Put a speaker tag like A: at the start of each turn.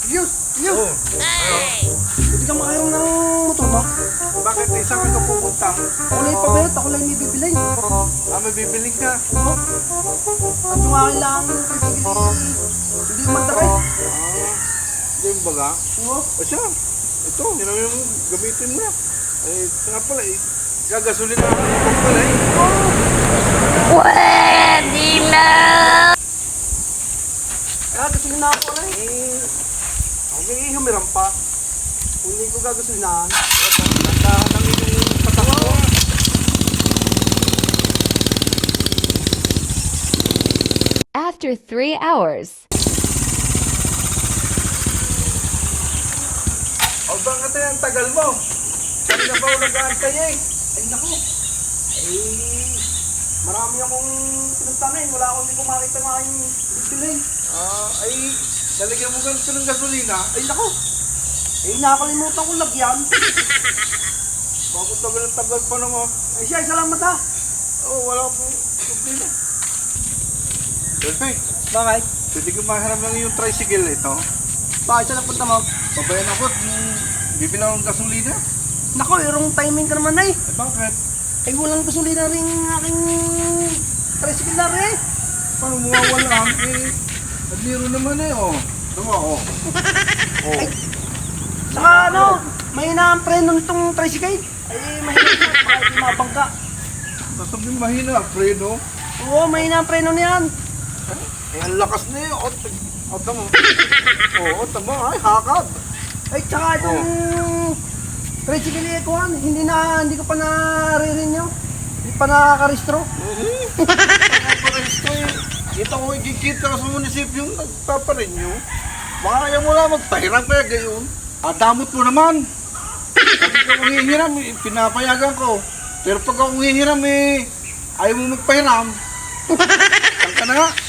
A: Yun! Yun!
B: Oo.
A: Hindi ka makayaw ng motor mo?
B: Bakit? Saan ka pupunta?
A: Ako lang ipabayot, ako lang may bibilay.
B: May bibili ka.
A: Oo. At yung akin lang, hindi magdakay.
B: Yung baga.
A: Oo.
B: O siya, ito, yun ang yung gamitin mo na. Eh, nga pala, gagasolin na ako yung pala eh.
C: Pwede na!
A: Kaya gasolin na ako rin. Ako may humiram pa. Kung hindi ko gagasolinahan.
B: Nandahan lang yung patakbo.
C: After 3 hours.
B: O bakit ang tagal mo? Kanina pa ako nag-aantay eh.
A: Ay naku. Marami akong pinagtanay. Wala akong hindi ko makita ng aking bibilay.
B: Ay, lalagyan mo ganito ng gasolina.
A: Ay naku. Nakakalimutan ko lagyan.
B: Bakit tagal pa naman?
A: Ay siya, salamat ha.
B: Wala po problema. Perfect.
A: Bakit?
B: Pwede ko maharap lang yung tricycle ito.
A: Bakit siya napunta mo?
B: Babayan ako at bibilang ng gasolina.
A: Naku, irong timing ka naman ay.
B: Bakit?
A: Ay walang gasolina rin aking tricycle na rin.
B: Paano mawawala? Nagliro naman eh, oh. Tama, oh. Oh.
A: Saka ano, mahina ang preno nitong tricycle. Ay mahina siya, baka hindi mabangga.
B: Sasabihin mahina, preno.
A: Oo, mahina ang preno niyan.
B: Ang lakas na yun. Tama. Oo, tama. Ay, hakad.
A: Ay tsaka itong tricycle ikuhan, hindi ko pa nare-renew. Hindi pa nakaka-restro.
B: Kita ko ikikita ka sa munisipyo yung nagpaparinyo. Baka kaya mo lang magpahiram kaya gayon. Damot mo naman. Sabi ko kung hihiram, pinapayagan ko. Pero pag ako hihiram ayaw mo magpahiram. Saan ka na nga?